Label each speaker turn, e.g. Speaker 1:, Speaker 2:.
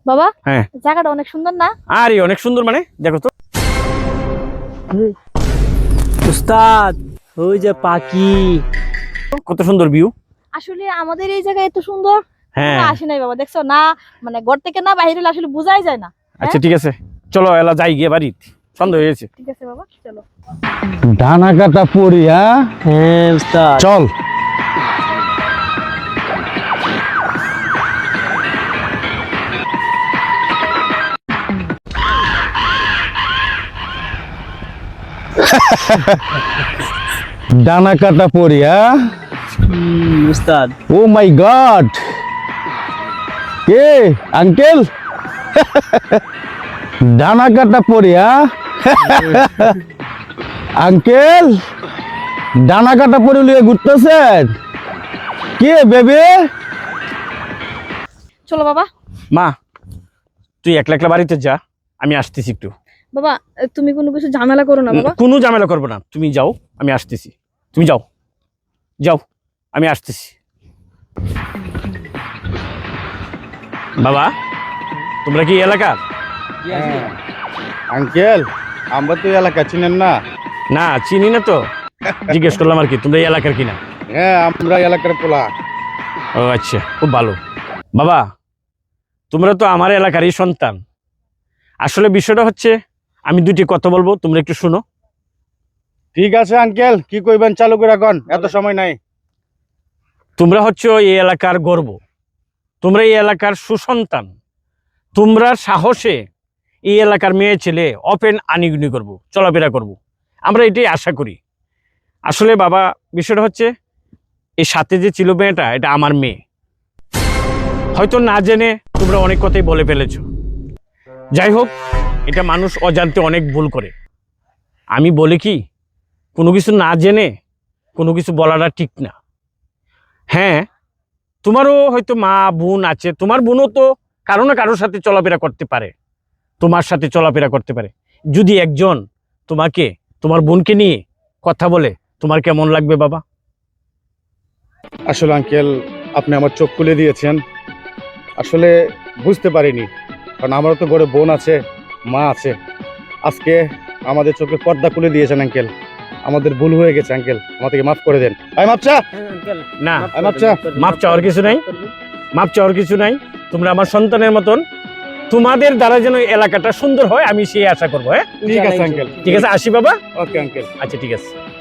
Speaker 1: বাবা
Speaker 2: হ্যাঁ
Speaker 1: জায়গাটা অনেক সুন্দর না?
Speaker 2: আরে অনেক সুন্দর, মানে দেখো তো।
Speaker 3: উস্তাদ ওই যে পাখি।
Speaker 2: কত সুন্দর ভিউ।
Speaker 1: আসলে আমাদের এই জায়গায় এত সুন্দর
Speaker 2: হ্যাঁ
Speaker 1: আসে নাই বাবা, দেখছো না? মানে ঘর থেকে না বাইরে হলে আসলে বোঝাই যায় না।
Speaker 2: আচ্ছা ঠিক আছে, চলো এলা যাই গিয়ে বাড়ি, সন্ধ্যা হয়ে গেছে।
Speaker 1: ঠিক আছে বাবা, চলো।
Speaker 4: ডানা কাটা পড়ি, হ্যাঁ
Speaker 3: হ্যাঁ উস্তাদ।
Speaker 4: চল। ডানা কাটা পড়ি, হ্যাঁ
Speaker 3: উস্তাদ
Speaker 4: ও মাই গড, কে আঙ্কেল? ডানা কাটা পড়ি, হ্যাঁ আঙ্কেল ডানা কাটা পড়ি লিয়ে ঘুরতেছেন? কে বেবি?
Speaker 1: চলো বাবা।
Speaker 2: মা তুই একলা একলা বাড়িতে যা, আমি আসতেছি একটু।
Speaker 1: বাবা তুমি কোনো কিছু ঝামেলা করো না বাবা।
Speaker 2: কোনো ঝামেলা করবো না, তুমি যাও, আমি আসতেছি। তুমি যাও যাও, আমি আসতেছি। বাবা তোমরা কি এলাকার?
Speaker 4: আঙ্কেল আমরা তো এলাকা চিনেন না?
Speaker 2: না চিনি না তো, জিজ্ঞেস করলাম আর কি, তোমরা এই এলাকার কিনা।
Speaker 4: হ্যাঁ আমরা এলাকার পোলা।
Speaker 2: ও আচ্ছা, খুব ভালো। বাবা তোমরা তো আমার এলাকারই সন্তান। আসলে বিষয়টা হচ্ছে, আমি দুটি কথা বলবো, তোমরা একটু শুনো।
Speaker 4: ঠিক আছে আঙ্কেল, কি কইবেন চালু করে রাখুন, এত সময় নাই।
Speaker 2: তোমরা হচ্ছে এই এলাকার গর্ব, তোমরা এই এলাকার সুসন্তান। তোমরা সাহসে এই এলাকার মেয়ে ছেলে ওপেন আনিগুনি করবো, চলাফেরা করব, আমরা এটাই আশা করি। আসলে বাবা বিষয়টা হচ্ছে, এই সাথে যে ছিল মেয়েটা, এটা আমার মেয়ে। হয়তো না জেনে তোমরা অনেক কথাই বলে ফেলেছো। যাই হোক, এটা মানুষ অজান্তে অনেক ভুল করে। আমি বলি কি, কোনো কিছু না জেনে কোনো কিছু বলাটা ঠিক না। হ্যাঁ তোমারও হয়তো মা বোন আছে, তোমার বোনও তো কারো না কারোর সাথে চলাফেরা করতে পারে, তোমার সাথে চলাফেরা করতে পারে। যদি একজন তোমাকে, তোমার বোনকে নিয়ে কথা বলে, তোমার কেমন লাগবে বাবা?
Speaker 4: আসলে আঙ্কেল আপনি আমার চোখ খুলে দিয়েছেন। আসলে বুঝতে পারিনি, কারণ আমারও তো ঘরে বোন আছে, মা আছে। আজকে আমাদের চোখে পর্দা খুলে দিয়েছেন আঙ্কেল। আমাদের ভুল হয়ে গেছে আঙ্কেল, আমাদেরকে মাফ করে দেন। ভাই মাপ চা।
Speaker 2: না
Speaker 4: মাপ চা।
Speaker 2: মাপ চাওয়ার কিছু নাই, মাপ চাওয়ার কিছু নাই। তোমরা আমার সন্তানের মতন, তোমাদের দ্বারা যেন এলাকাটা সুন্দর হয় আমি সেই আশা করবো। হ্যাঁ
Speaker 4: ঠিক আছে আঙ্কেল।
Speaker 2: ঠিক আছে, আসি বাবা।
Speaker 4: Okay uncle.
Speaker 2: আচ্ছা ঠিক আছে।